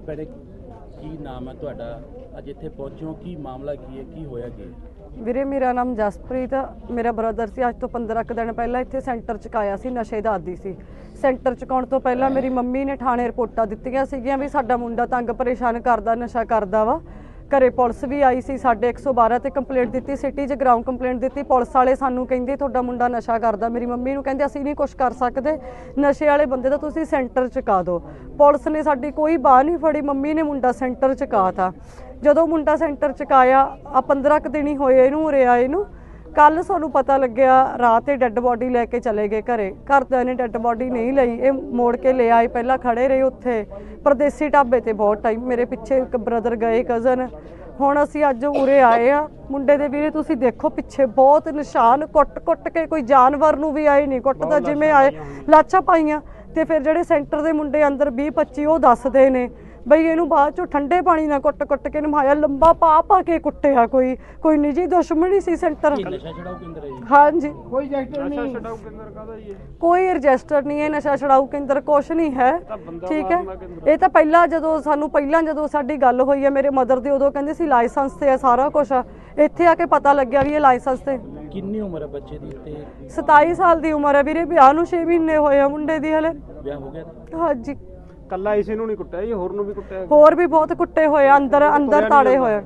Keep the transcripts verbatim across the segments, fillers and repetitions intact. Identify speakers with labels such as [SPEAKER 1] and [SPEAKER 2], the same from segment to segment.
[SPEAKER 1] ਭੈਣੇ ਕੀ ਨਾਮ ਹੈ ਤੁਹਾਡਾ? ਅੱਜ ਇੱਥੇ ਪਹੁੰਚੋ, ਕੀ ਮਾਮਲਾ ਕੀ ਹੈ, ਕੀ ਹੋਇਆ ਕੀ?
[SPEAKER 2] ਵੀਰੇ ਮੇਰਾ ਨਾਮ ਜਸਪ੍ਰੀਤ, ਮੇਰਾ ਬ੍ਰਦਰ ਸੀ। ਅੱਜ ਤੋਂ ਪੰਦਰਾਂ ਕੁ ਦਿਨ ਪਹਿਲਾਂ ਇੱਥੇ ਸੈਂਟਰ 'ਚ ਆਇਆ ਸੀ, ਨਸ਼ੇ ਦਾ ਆਦੀ ਸੀ। ਸੈਂਟਰ 'ਚ ਆਉਣ ਤੋਂ ਪਹਿਲਾਂ ਮੇਰੀ ਮੰਮੀ ਨੇ ਥਾਣੇ ਰਿਪੋਰਟਾਂ ਦਿੱਤੀਆਂ ਸੀਗੀਆਂ ਵੀ ਸਾਡਾ ਮੁੰਡਾ ਤੰਗ ਪਰੇਸ਼ਾਨ ਕਰਦਾ, ਨਸ਼ਾ ਕਰਦਾ ਵਾ। ਘਰੇ ਪੁਲਿਸ ਵੀ ਆਈ ਸੀ, ਸਾਡੇ ਇੱਕ ਸੌ ਬਾਰਾਂ ਤੇ ਕੰਪਲੇਂਟ ਦਿੱਤੀ, ਸਿਟੀ 'ਚ ਗਰਾਊਂਡ ਕੰਪਲੇਂਟ ਦਿੱਤੀ। ਪੁਲਿਸ ਵਾਲੇ ਸਾਨੂੰ ਕਹਿੰਦੇ ਤੁਹਾਡਾ ਮੁੰਡਾ ਨਸ਼ਾ ਕਰਦਾ। ਮੇਰੀ ਮੰਮੀ ਨੂੰ ਕਹਿੰਦੇ ਅਸੀਂ ਨਹੀਂ ਕੁਛ ਕਰ ਸਕਦੇ, ਨਸ਼ੇ ਵਾਲੇ ਬੰਦੇ ਦਾ ਤੁਸੀਂ ਸੈਂਟਰ 'ਚ ਕਾ ਦਿਓ। ਪੁਲਿਸ ਨੇ ਸਾਡੀ ਕੋਈ ਬਾਹ ਨਹੀਂ ਫੜੀ, ਮੰਮੀ ਨੇ ਮੁੰਡਾ ਸੈਂਟਰ 'ਚ ਕਾ ਤਾ। ਜਦੋਂ ਮੁੰਡਾ ਸੈਂਟਰ 'ਚ ਕਾਇਆ ਆ ਪੰਦਰਾਂ ਕੁ ਦਿਨ ਹੀ ਹੋਏ ਇਹਨੂੰ ਉਰੇ ਆਏ ਨੂੰ। ਕੱਲ ਸਾਨੂੰ ਪਤਾ ਲੱਗਿਆ ਰਾਤ ਇਹ ਡੈੱਡ ਬੋਡੀ ਲੈ ਕੇ ਚਲੇ ਗਏ ਘਰੇ। ਘਰਦਿਆਂ ਨੇ ਡੈੱਡ ਬੋਡੀ ਨਹੀਂ ਲਈ, ਇਹ ਮੋੜ ਕੇ ਲੈ ਆਏ। ਪਹਿਲਾਂ ਖੜੇ ਰਹੇ ਉੱਥੇ ਪਰਦੇਸੀ ਢਾਬੇ ਤੇ ਬਹੁਤ ਟਾਈਮ, ਮੇਰੇ ਪਿੱਛੇ ਇੱਕ ਬ੍ਰਦਰ ਗਏ ਕਜ਼ਨ। ਹੁਣ ਅਸੀਂ ਅੱਜ ਉਰੇ ਆਏ ਆ। ਮੁੰਡੇ ਦੇ ਵੀਰੇ ਤੁਸੀਂ ਦੇਖੋ ਪਿੱਛੇ ਬਹੁਤ ਨਿਸ਼ਾਨ, ਕੁੱਟ ਕੁੱਟ ਕੇ, ਕੋਈ ਜਾਨਵਰ ਨੂੰ ਵੀ ਆਏ ਨਹੀਂ ਕੁੱਟਦਾ, ਜਿਵੇਂ ਆਏ ਲਾਚਾਂ ਪਾਈਆਂ। ਤੇ ਫਿਰ ਜਿਹੜੇ ਸੈਂਟਰ ਦੇ ਮੁੰਡੇ ਅੰਦਰ ਵੀਹ ਪੱਚੀ ਉਹ ਦੱਸਦੇ ਨੇ ਬਈ ਇਹਨੂੰ ਬਾਅਦ ਚੋਂ ਠੰਡੇ ਪਾਣੀ ਨਾਲ ਕੁੱਟ ਕੁੱਟ ਕੇ ਨਮਾਇਆ, ਲੰਬਾ ਪਾ ਪਾ ਕੇ ਕੁੱਟਿਆ। ਕੋਈ ਕੋਈ ਨਿੱਜੀ ਦੁਸ਼ਮਣੀ ਸੀ ਸੈਂਟਰ। ਹਾਂਜੀ ਕੋਈ ਰਜਿਸਟਰ ਨਹੀਂ, ਕੋਈ ਰਜਿਸਟਰ ਨਹੀਂ ਹੈ, ਨਸ਼ਾ ਛਡਾਊ ਕੇਂਦਰ ਕੁਛ ਨਹੀਂ ਹੈ। ਠੀਕ ਹੈ, ਇਹ ਤਾਂ ਪਹਿਲਾਂ ਜਦੋਂ ਸਾਨੂੰ ਪਹਿਲਾਂ ਜਦੋਂ ਸਾਡੀ ਗੱਲ ਹੋਈ ਹੈ ਮੇਰੇ ਮਦਰ ਦੀ, ਉਦੋਂ ਕਹਿੰਦੇ ਸੀ ਲਾਇਸੈਂਸ ਤੇ ਹੈ ਸਾਰਾ ਕੁਛ। ਇੱਥੇ ਆ ਕੇ ਪਤਾ ਲੱਗਿਆ ਵੀ ਇਹ ਲਾਇਸੈਂਸ ਤੇ।
[SPEAKER 1] ਕਿੰਨੀ ਉਮਰ ਹੈ ਬੱਚੇ ਦੀ? ਤੇ
[SPEAKER 2] ਸਤਾਈ ਸਾਲ ਦੀ ਉਮਰ ਹੈ ਵੀਰੇ, ਵਿਆਹ ਨੂੰ ਛੇ ਮਹੀਨੇ ਹੋਏ ਆ ਮੁੰਡੇ ਦੀ ਹਲੇ।
[SPEAKER 1] ਵਿਆਹ ਹੋ ਗਿਆ?
[SPEAKER 2] ਹਾਂਜੀ।
[SPEAKER 3] ਕੱਲਾ ਇਸੇ ਨੂੰ ਨਹੀਂ ਕੁੱਟਿਆ ਜੀ, ਹੋਰ ਨੂੰ ਵੀ ਕੁੱਟਿਆ?
[SPEAKER 2] ਹੋਰ ਵੀ ਬਹੁਤ ਕੁੱਟੇ ਹੋਏ, ਅੰਦਰ ਅੰਦਰ ਤਾੜੇ ਹੋਏ।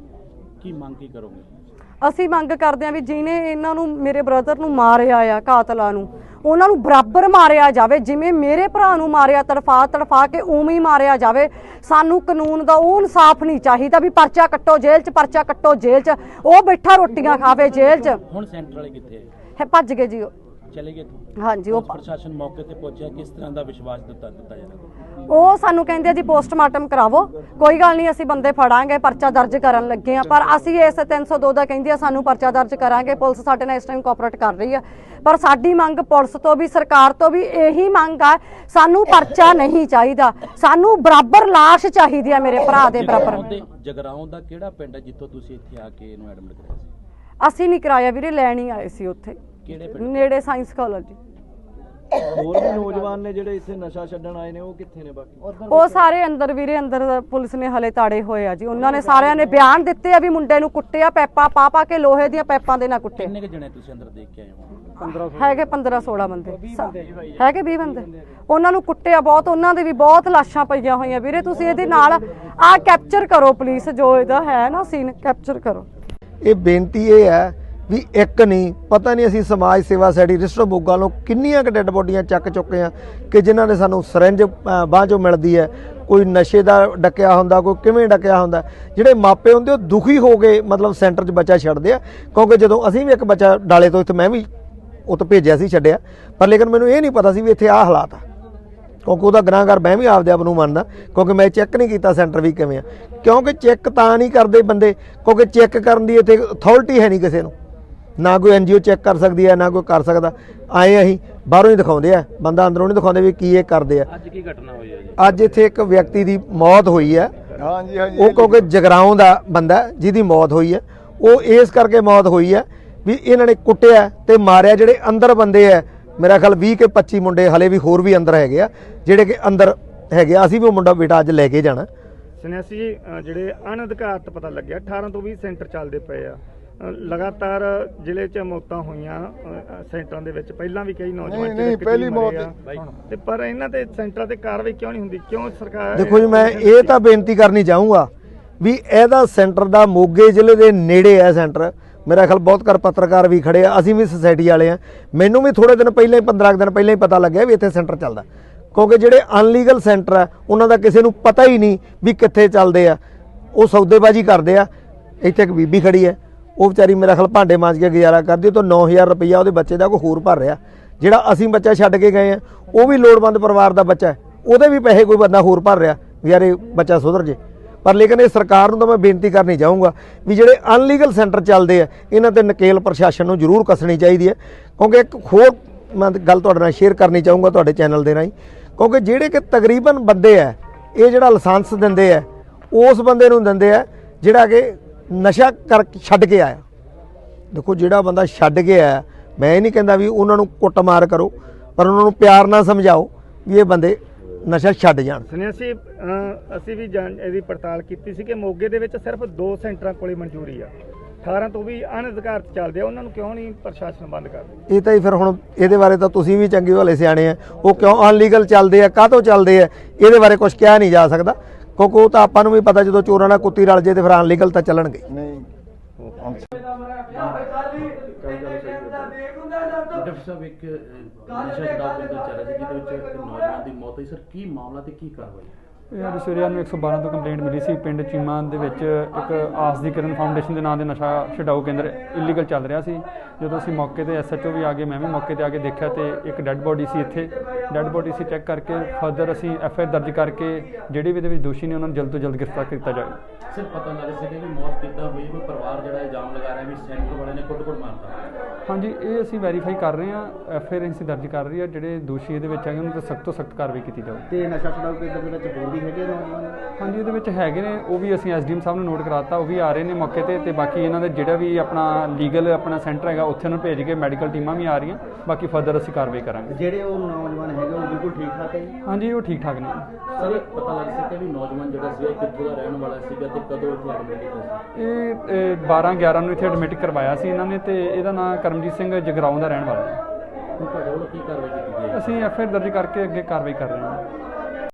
[SPEAKER 1] ਕੀ ਮੰਗ ਕੀ ਕਰੋਗੇ?
[SPEAKER 2] ਅਸੀਂ ਮੰਗ ਕਰਦੇ ਹਾਂ ਵੀ ਜਿਹਨੇ ਇਹਨਾਂ ਨੂੰ, ਮੇਰੇ ਬ੍ਰਦਰ ਨੂੰ ਮਾਰਿਆ ਆ, ਕਾਤਲਾਂ ਨੂੰ, ਉਹਨਾਂ ਨੂੰ ਬਰਾਬਰ ਮਾਰਿਆ ਜਾਵੇ। ਜਿਵੇਂ ਮੇਰੇ ਭਰਾ ਨੂੰ ਮਾਰਿਆ ਤੜਫਾ ਤੜਫਾ ਕੇ, ਉਵੇਂ ਹੀ ਮਾਰਿਆ ਜਾਵੇ। ਸਾਨੂੰ ਕਾਨੂੰਨ ਦਾ ਉਹ ਇਨਸਾਫ ਨਹੀਂ ਚਾਹੀਦਾ ਵੀ ਪਰਚਾ ਕੱਟੋ ਜੇਲ੍ਹ 'ਚ, ਪਰਚਾ ਕੱਟੋ ਜੇਲ੍ਹ 'ਚ। ਉਹ ਬੈਠਾ ਰੋਟੀਆਂ ਖਾਵੇ ਜੇਲ੍ਹ 'ਚ।
[SPEAKER 1] ਹੁਣ ਸੈਂਟਰ ਵਾਲੇ ਕਿੱਥੇ
[SPEAKER 2] ਹੈ? ਭੱਜ ਗਏ ਜੀ,
[SPEAKER 1] ਚਲੇ ਗਏ?
[SPEAKER 2] ਹਾਂਜੀ। ਉਹ
[SPEAKER 1] ਪ੍ਰਸ਼ਾਸਨ ਮੌਕੇ ਤੇ ਪਹੁੰਚਿਆ, ਕਿਸ ਤਰ੍ਹਾਂ ਦਾ ਵਿਸ਼ਵਾਸ ਦਿੱਤਾ ਦਿੱਤਾ ਜਾਂਦਾ?
[SPEAKER 2] ਉਹ ਸਾਨੂੰ ਕਹਿੰਦੇ ਜੀ ਪੋਸਟਮਾਰਟਮ ਕਰਾਵੋ, ਕੋਈ ਗੱਲ ਨਹੀਂ ਅਸੀਂ ਬੰਦੇ ਫੜਾਂਗੇ, ਪਰਚਾ ਦਰਜ ਕਰਨ ਲੱਗੇ ਆ। ਪਰ ਅਸੀਂ ਇਸ ਤਿੰਨ ਸੌ ਦੋ ਦਾ ਕਹਿੰਦੇ ਆ ਸਾਨੂੰ ਪਰਚਾ ਦਰਜ ਕਰਾਂਗੇ। ਪੁਲਿਸ ਸਾਡੇ ਨਾਲ ਇਸ ਟਾਈਮ ਕੋਆਪਰੇਟ ਕਰ ਰਹੀ ਆ, ਪਰ ਸਾਡੀ ਮੰਗ ਪੁਲਿਸ ਤੋਂ ਵੀ ਸਰਕਾਰ ਤੋਂ ਵੀ ਇਹੀ ਮੰਗ ਆ, ਸਾਨੂੰ ਪਰਚਾ ਨਹੀਂ ਚਾਹੀਦਾ, ਸਾਨੂੰ ਬਰਾਬਰ ਲਾਸ਼ ਚਾਹੀਦੀ ਆ ਮੇਰੇ ਭਰਾ ਦੇ ਬਰਾਬਰ।
[SPEAKER 1] ਜਗਰਾਉਂ ਦਾ ਕਿਹੜਾ ਪਿੰਡ ਹੈ ਜਿੱਥੋਂ ਤੁਸੀਂ ਇੱਥੇ ਆ ਕੇ ਇਹਨੂੰ ਐਡਮਿਟ ਕਰਾਇਆ ਸੀ?
[SPEAKER 2] ਅਸੀਂ ਨਹੀਂ ਕਰਾਇਆ ਵੀਰੇ, ਲੈਣ ਹੀ ਆਏ ਸੀ ਉੱਥੇ ਨੇੜੇ ਸਾਇੰਸ ਕਾਲਜ।
[SPEAKER 3] ਹੋਰ ਵੀ ਨੌਜਵਾਨ ਨੇ ਜਿਹੜੇ ਇੱਥੇ ਨਸ਼ਾ ਛੱਡਣ ਆਏ ਨੇ, ਉਹ ਕਿੱਥੇ ਨੇ? ਬਾਕੀ
[SPEAKER 2] ਉਹ ਸਾਰੇ ਅੰਦਰ ਵੀਰੇ, ਅੰਦਰ ਪੁਲਿਸ ਨੇ ਹਲੇ ਤਾੜੇ ਹੋਏ ਆ ਜੀ। ਉਹਨਾਂ ਨੇ ਸਾਰਿਆਂ ਨੇ ਬਿਆਨ ਦਿੱਤੇ ਆ ਵੀ ਮੁੰਡੇ ਨੂੰ ਕੁੱਟਿਆ, ਪੈਪਾਂ ਪਾ ਪਾ ਕੇ, ਲੋਹੇ ਦੀਆਂ ਪੈਪਾਂ ਦੇ ਨਾਲ ਕੁੱਟਿਆ।
[SPEAKER 1] ਕਿੰਨੇ ਜਣੇ ਤੁਸੀਂ ਅੰਦਰ ਦੇਖ ਕੇ ਆਏ ਹੋ?
[SPEAKER 2] ਹੈਗੇ ਪੰਦਰਾਂ ਸੋਲਾਂ ਬੰਦੇ, ਹੈਗੇ ਵੀਹ ਬੰਦੇ। ਉਹਨਾਂ ਨੂੰ ਕੁੱਟਿਆ ਬਹੁਤ, ਉਹਨਾਂ ਦੇ ਵੀ ਬਹੁਤ ਲਾਸ਼ਾਂ ਪਈਆਂ ਹੋਈਆਂ ਵੀਰੇ। ਤੁਸੀਂ ਇਹਦੇ ਨਾਲ ਆਹ ਕੈਪਚਰ ਕਰੋ ਪਲੀਜ਼, ਜੋ ਇਹਦਾ ਹੈ ਨਾ ਸੀਨ ਕੈਪਚਰ ਕਰੋ।
[SPEAKER 4] ਇਹ ਬੇਨਤੀ ਇਹ ਹੈ ਵੀ ਇੱਕ ਨਹੀਂ, ਪਤਾ ਨਹੀਂ ਅਸੀਂ ਸਮਾਜ ਸੇਵਾ ਸੋਸਾਇਟੀ ਰਜਿਸਟਰ ਮੋਗਾ ਨੂੰ ਕਿੰਨੀਆਂ ਕੁ ਡੈੱਡ ਬੋਡੀਆਂ ਚੱਕ ਚੁੱਕੇ ਆ ਕਿ ਜਿਨ੍ਹਾਂ ਨੇ ਸਾਨੂੰ ਸਿਰੰਜ ਬਾਂਹ 'ਚੋਂ ਮਿਲਦੀ ਹੈ, ਕੋਈ ਨਸ਼ੇ ਦਾ ਡੱਕਿਆ ਹੁੰਦਾ, ਕੋਈ ਕਿਵੇਂ ਡੱਕਿਆ ਹੁੰਦਾ। ਜਿਹੜੇ ਮਾਪੇ ਹੁੰਦੇ ਉਹ ਦੁਖੀ ਹੋ ਗਏ, ਮਤਲਬ ਸੈਂਟਰ 'ਚ ਬੱਚਾ ਛੱਡਦੇ ਆ। ਕਿਉਂਕਿ ਜਦੋਂ ਅਸੀਂ ਵੀ ਇੱਕ ਬੱਚਾ ਡਾਲੇ ਤੋਂ ਇੱਥੇ, ਮੈਂ ਵੀ ਉਹ ਤੋਂ ਭੇਜਿਆ ਸੀ, ਛੱਡਿਆ, ਪਰ ਲੇਕਿਨ ਮੈਨੂੰ ਇਹ ਨਹੀਂ ਪਤਾ ਸੀ ਵੀ ਇੱਥੇ ਆਹ ਹਾਲਾਤ ਆ। ਕਿਉਂਕਿ ਉਹਦਾ ਗੁਨਾਹਗਾਰ ਮੈਂ ਵੀ ਆਪਦੇ ਆਪ ਨੂੰ ਮੰਨਦਾ, ਕਿਉਂਕਿ ਮੈਂ ਚੈੱਕ ਨਹੀਂ ਕੀਤਾ ਸੈਂਟਰ ਵੀ ਕਿਵੇਂ ਆ। ਕਿਉਂਕਿ ਚੈੱਕ ਤਾਂ ਨਹੀਂ ਕਰਦੇ ਬੰਦੇ, ਕਿਉਂਕਿ ਚੈੱਕ ਕਰਨ ਦੀ ਇੱਥੇ ਅਥਾਰਟੀ ਹੈ ਨਹੀਂ ਕਿਸੇ ਨੂੰ, ਨਾ ਕੋਈ ਐਨ ਜੀ ਓ ਚੈੱਕ ਕਰ ਸਕਦੀ ਹੈ, ਨਾ ਕੋਈ ਕਰ ਸਕਦਾ। ਆਏ ਅਸੀਂ ਬਾਹਰੋਂ ਹੀ ਦਿਖਾਉਂਦੇ ਆ, ਬੰਦਾ ਅੰਦਰੋਂ ਨਹੀਂ ਦਿਖਾਉਂਦੇ ਵੀ ਕੀ ਇਹ ਕਰਦੇ ਆ।
[SPEAKER 1] ਅੱਜ ਕੀ ਘਟਨਾ ਹੋਈ ਹੈ ਜੀ?
[SPEAKER 4] ਅੱਜ ਇੱਥੇ ਇੱਕ ਵਿਅਕਤੀ ਦੀ ਮੌਤ ਹੋਈ ਹੈ। ਹਾਂਜੀ ਹਾਂਜੀ। ਉਹ ਕਿਉਂਕਿ ਜਗਰਾਉਂ ਦਾ ਬੰਦਾ ਜਿਹਦੀ ਮੌਤ ਹੋਈ ਹੈ, ਉਹ ਇਸ ਕਰਕੇ ਮੌਤ ਹੋਈ ਹੈ ਵੀ ਇਹਨਾਂ ਨੇ ਕੁੱਟਿਆ ਤੇ ਮਾਰਿਆ। ਜਿਹੜੇ ਅੰਦਰ ਬੰਦੇ ਆ, ਮੇਰਾ ਖਿਆਲ ਵੀਹ ਕੇ ਪੱਚੀ ਮੁੰਡੇ ਹਲੇ ਵੀ ਹੋਰ ਵੀ ਅੰਦਰ ਹੈਗੇ ਆ, ਜਿਹੜੇ ਕਿ ਅੰਦਰ ਹੈਗੇ ਆ। ਅਸੀਂ ਵੀ ਉਹ ਮੁੰਡਾ ਬੇਟਾ ਅੱਜ ਲੈ ਕੇ ਜਾਣਾ।
[SPEAKER 3] ਸੁਨਿਆਸੀ ਜੀ, ਜਿਹੜੇ ਅਣਅਧਿਕਾਰਤ ਪਤਾ ਲੱਗਿਆ ਅਠਾਰਾਂ ਤੋਂ ਵੀਹ ਸੈਂਟਰ ਚੱਲਦੇ ਪਏ ਆ, ਲਗਾਤਾਰ ਜ਼ਿਲ੍ਹੇ 'ਚ ਮੌਤਾਂ ਹੋਈਆਂ ਸੈਂਟਰਾਂ ਦੇ ਵਿੱਚ। ਪਹਿਲਾਂ ਵੀ ਕਈ ਨੌਜਵਾਨ ਨਹੀਂ ਪਹਿਲੀ ਮੌਤ ਤੇ, ਪਰ ਇਹਨਾਂ ਤੇ ਸੈਂਟਰਾਂ ਤੇ ਕਾਰਵਾਈ ਕਿਉਂ ਨਹੀਂ ਹੁੰਦੀ? ਕਿਉਂ ਸਰਕਾਰ? ਦੇਖੋ
[SPEAKER 4] ਜੀ, ਮੈਂ ਇਹ ਤਾਂ ਬੇਨਤੀ ਕਰਨੀ ਚਾਹੂੰਗਾ ਵੀ ਇਹਦਾ ਸੈਂਟਰ ਦਾ ਮੋਗੇ ਜ਼ਿਲ੍ਹੇ ਦੇ ਨੇੜੇ ਹੈ ਸੈਂਟਰ। ਮੇਰਾ ਖਿਆਲ ਬਹੁਤ ਕਰ ਪੱਤਰਕਾਰ ਵੀ ਖੜੇ ਆ, ਅਸੀਂ ਵੀ ਸੁਸਾਇਟੀ ਵਾਲੇ ਆ। ਮੈਨੂੰ ਵੀ ਥੋੜੇ ਦਿਨ ਪਹਿਲਾਂ ਹੀ, ਪੰਦਰਾਂ ਦਿਨ ਪਹਿਲਾਂ ਹੀ ਪਤਾ ਲੱਗਿਆ ਵੀ ਇੱਥੇ ਸੈਂਟਰ ਚੱਲਦਾ। ਕਿਉਂਕਿ ਜਿਹੜੇ ਅਨਲੀਗਲ ਸੈਂਟਰ ਆ ਉਹਨਾਂ ਦਾ ਕਿਸੇ ਨੂੰ ਪਤਾ ਹੀ ਨਹੀਂ ਵੀ ਕਿੱਥੇ ਚੱਲਦੇ ਆ, ਉਹ ਸੌਦੇਬਾਜ਼ੀ ਕਰਦੇ ਆ। ਇੱਥੇ ਇੱਕ ਬੀਬੀ ਖੜੀ ਹੈ, ਉਹ ਵਿਚਾਰੀ ਮੇਰਾ ਖਿਆਲ ਭਾਂਡੇ ਮਾਂਜ ਕੇ ਗੁਜ਼ਾਰਾ ਕਰਦੀ, ਉਹ ਤੋਂ ਨੌ ਹਜ਼ਾਰ ਰੁਪਈਆ ਉਹਦੇ ਬੱਚੇ ਦਾ ਕੋਈ ਹੋਰ ਭਰ ਰਿਹਾ। ਜਿਹੜਾ ਅਸੀਂ ਬੱਚਾ ਛੱਡ ਕੇ ਗਏ ਆ, ਉਹ ਵੀ ਲੋੜਵੰਦ ਪਰਿਵਾਰ ਦਾ ਬੱਚਾ ਹੈ, ਉਹਦੇ ਵੀ ਪੈਸੇ ਕੋਈ ਬੰਦਾ ਹੋਰ ਭਰ ਰਿਹਾ ਵੀ ਯਾਰ ਇਹ ਬੱਚਾ ਸੁਧਰ ਜੇ। ਪਰ ਲੇਕਿਨ ਇਹ ਸਰਕਾਰ ਨੂੰ ਤਾਂ ਮੈਂ ਬੇਨਤੀ ਕਰਨੀ ਚਾਹੂੰਗਾ ਵੀ ਜਿਹੜੇ ਅਨਲੀਗਲ ਸੈਂਟਰ ਚੱਲਦੇ ਆ, ਇਹਨਾਂ ਤੇ ਨਕੇਲ ਪ੍ਰਸ਼ਾਸਨ ਨੂੰ ਜ਼ਰੂਰ ਕੱਸਣੀ ਚਾਹੀਦੀ ਹੈ। ਕਿਉਂਕਿ ਇੱਕ ਹੋਰ ਮੈਂ ਗੱਲ ਤੁਹਾਡੇ ਨਾਲ ਸ਼ੇਅਰ ਕਰਨੀ ਚਾਹੂੰਗਾ ਤੁਹਾਡੇ ਚੈਨਲ ਦੇ ਰਾਹੀਂ, ਕਿਉਂਕਿ ਜਿਹੜੇ ਕਿ ਤਕਰੀਬਨ ਬੰਦੇ ਆ, ਇਹ ਜਿਹੜਾ ਲਾਇਸੈਂਸ ਦਿੰਦੇ ਆ ਉਸ ਬੰਦੇ ਨੂੰ ਦਿੰਦੇ ਆ ਜਿਹੜਾ ਕਿ ਨਸ਼ਾ ਕਰ ਛੱਡ ਕੇ ਆਇਆ। ਦੇਖੋ, ਜਿਹੜਾ ਬੰਦਾ ਛੱਡ ਕੇ ਆਇਆ, ਮੈਂ ਇਹ ਨਹੀਂ ਕਹਿੰਦਾ ਵੀ ਉਹਨਾਂ ਨੂੰ ਕੁੱਟਮਾਰ ਕਰੋ, ਪਰ ਉਹਨਾਂ ਨੂੰ ਪਿਆਰ ਨਾਲ ਸਮਝਾਓ ਵੀ ਇਹ ਬੰਦੇ ਨਸ਼ਾ ਛੱਡ ਜਾਣ।
[SPEAKER 3] ਸੁਣਿਆ ਸੀ ਅਹ, ਅਸੀਂ ਵੀ ਜਾਣ ਇਹਦੀ ਪੜਤਾਲ ਕੀਤੀ ਸੀ ਕਿ ਮੋਗੇ ਦੇ ਵਿੱਚ ਸਿਰਫ ਦੋ ਸੈਂਟਰਾਂ ਕੋਲੇ ਮਨਜ਼ੂਰੀ ਆ, ਅਠਾਰਾਂ ਤੋਂ ਵੀ ਅਣਅਧਿਕਾਰਤ ਚੱਲਦੇ ਆ, ਉਹਨਾਂ ਨੂੰ ਕਿਉਂ ਨਹੀਂ ਪ੍ਰਸ਼ਾਸਨ ਬੰਦ ਕਰਦਾ?
[SPEAKER 4] ਇਹ ਤਾਂ ਹੀ ਫਿਰ ਹੁਣ ਇਹਦੇ ਬਾਰੇ ਤਾਂ ਤੁਸੀਂ ਵੀ ਚੰਗੇ ਵਾਲੇ ਸਿਆਣੇ ਆ, ਉਹ ਕਿਉਂ ਅਨਲੀਗਲ ਚੱਲਦੇ ਆ, ਕਾਹਤੋਂ ਚੱਲਦੇ ਆ, ਇਹਦੇ ਬਾਰੇ ਕੁਝ ਕਿਹਾ ਨਹੀਂ ਜਾ ਸਕਦਾ, ਕਿਉਂਕਿ ਉਹ ਤਾਂ ਆਪਾਂ ਨੂੰ ਵੀ ਪਤਾ ਜਦੋਂ ਚੋਰਾਂ ਨਾਲ ਕੁੱਤੀ ਰਲ ਜੇ ਤੇ ਫਿਰ ਅਨਲੀਗਲ ਤਾਂ ਚੱਲਣਗੇ।
[SPEAKER 3] ਨਹੀਂ
[SPEAKER 1] ਡਾਕਟਰ ਸਾਹਿਬ ਇੱਕ ਅਹ, ਨਸ਼ਾ ਛਡਾਓ ਕੇਂਦਰ ਚੱਲ ਰਿਹਾ ਸੀ ਜਿਹਦੇ ਵਿੱਚ ਇੱਕ ਨੌਜਵਾਨ ਦੀ ਮੌਤ ਹੋਈ ਸਰ, ਕੀ ਮਾਮਲਾ ਤੇ ਕੀ ਕਾਰਵਾਈ?
[SPEAKER 5] ਇਹ ਅੱਜ ਸਵੇਰੇ ਨੂੰ ਇੱਕ ਸੌ ਬਾਰਾਂ ਤੋਂ ਕੰਪਲੇਂਟ ਮਿਲੀ ਸੀ ਪਿੰਡ ਚੀਮਾ ਦੇ ਵਿੱਚ ਇੱਕ ਆਸ ਦੀ ਕਿਰਨ ਫਾਊਂਡੇਸ਼ਨ ਦੇ ਨਾਂ ਦੇ ਨਸ਼ਾ ਛਡਾਊ ਕੇਂਦਰ ਇਲੀਗਲ ਚੱਲ ਰਿਹਾ ਸੀ। ਜਦੋਂ ਅਸੀਂ ਮੌਕੇ ਤੇ ਐਸ ਐਚ ਓ ਵੀ ਆ ਗਏ, ਮੈਂ ਵੀ ਮੌਕੇ ਤੇ ਆ ਕੇ ਦੇਖਿਆ ਤੇ ਇੱਕ ਡੈੱਡ ਬੋਡੀ ਸੀ ਇੱਥੇ। ਡੈੱਡ ਬੋਡੀ ਸੀ ਚੈੱਕ ਕਰਕੇ ਫਰਦਰ ਅਸੀਂ ਐਫ ਆਈ ਆਰ ਦਰਜ ਕਰਕੇ ਜਿਹੜੇ ਵੀ ਇਹਦੇ ਵਿੱਚ ਦੋਸ਼ੀ ਨੇ ਉਹਨਾਂ ਨੂੰ ਜਲਦ ਤੋਂ ਜਲਦ ਗ੍ਰਿਫਤਾਰ ਕੀਤਾ ਜਾਵੇ।
[SPEAKER 1] ਸਰ ਪਤਾ ਲੱਗ ਸਕੇ ਵੀ ਮੌਤ ਕਿੱਦਾਂ ਹੋਈ, ਕੋਈ ਪਰਿਵਾਰ ਜਿਹੜਾ ਇਲਜ਼ਾਮ ਲਗਾ ਰਿਹਾ ਵੀ ਸੈਂਟਰ ਵਾਲਿਆਂ ਨੇ ਕੁੱਟ-ਕੁੱਟ ਮਾਰਤਾ?
[SPEAKER 5] ਹਾਂਜੀ, ਇਹ ਅਸੀਂ ਵੈਰੀਫਾਈ ਕਰ ਰਹੇ ਹਾਂ, ਐਫ ਆਈ ਆਰ ਅਸੀਂ ਦਰਜ ਕਰ ਰਹੀ ਹੈ। ਜਿਹੜੇ ਦੋਸ਼ੀ ਇਹਦੇ ਵਿੱਚ ਹੈਗੇ ਉਹਨਾਂ 'ਤੇ ਸਖਤ ਤੋਂ ਸਖਤ ਕਾਰਵਾਈ ਕੀਤੀ ਜਾਵੇ।
[SPEAKER 6] ਤੇ ਨਸ਼ਾ ਛਡਾਊ ਕੇਂਦਰ ਦੇ ਵਿੱਚ ਹੋਰ ਵੀ ਹੈਗੇ ਨੌਜਵਾਨ?
[SPEAKER 5] ਹਾਂਜੀ, ਇਹਦੇ ਵਿੱਚ ਹੈਗੇ ਨੇ, ਉਹ ਵੀ ਅਸੀਂ ਐਸ ਡੀ ਐਮ ਸਾਹਿਬ ਨੂੰ ਨੋਟ ਕਰਾਤਾ, ਉਹ ਵੀ ਆ ਰਹੇ ਨੇ ਮੌਕੇ ਤੇ ਤੇ ਬਾਕੀ ਇਹਨਾਂ ਦੇ ਜਿਹੜਾ ਵੀ ਆਪਣਾ ਲੀਗਲ ਆਪਣਾ ਸੈਂਟਰ ਹੈਗਾ ਉੱਥੇ ਉਹਨੂੰ ਭੇਜ ਕੇ ਮੈਡੀਕਲ ਟੀਮਾਂ ਵੀ ਆ ਰਹੀਆਂ, ਬਾਕੀ ਫਰਦਰ ਅਸੀਂ ਕਾਰਵਾਈ ਕਰਾਂਗੇ।
[SPEAKER 6] ਜਿਹੜੇ ਉਹ ਨੌਜਵਾਨ ਹੈਗੇ ਉਹ ਬਿਲਕੁਲ ਠੀਕ ਠਾਕ ਹੈ ਜੀ?
[SPEAKER 5] ਹਾਂਜੀ, ਉਹ ਠੀਕ ਠਾਕ ਨੇ।
[SPEAKER 1] ਸਰ ਇਹ ਪਤਾ ਲੱਗ ਸਕਿਆ ਵੀ ਨੌਜਵਾਨ ਜਿਹੜਾ ਸੀਗਾ ਕਿੱਥੋਂ ਦਾ ਰਹਿਣ ਵਾਲਾ ਸੀਗਾ ਤੇ ਕਦੋਂ ਇੱਥੇ ਐਡਮਿਟ ਕੀਤਾ ਸੀ?
[SPEAKER 5] ਇਹ ਬਾਰਾਂ ਗਿਆਰਾਂ ਨੂੰ ਇੱਥੇ ਐਡਮਿਟ ਕਰਵਾਇਆ ਸੀ ਇਹਨਾਂ ਨੇ ਤੇ ਇਹਦਾ ਨਾਮ ਕਰਮਜੀਤ ਸਿੰਘ ਜਗਰਾਉਂ ਦਾ ਰਹਿਣ ਵਾਲਾ ਹੈ।
[SPEAKER 1] ਹੁਣ ਤੁਹਾਡੇ ਵੱਲੋਂ ਕੀ ਕਾਰਵਾਈ ਕੀਤੀ ਗਈ ਹੈ?
[SPEAKER 5] ਅਸੀਂ ਐਫ ਆਈ ਆਰ ਦਰਜ ਕਰਕੇ ਅੱਗੇ ਕਾਰਵਾਈ ਕਰ ਰਹੇ ਹਾਂ।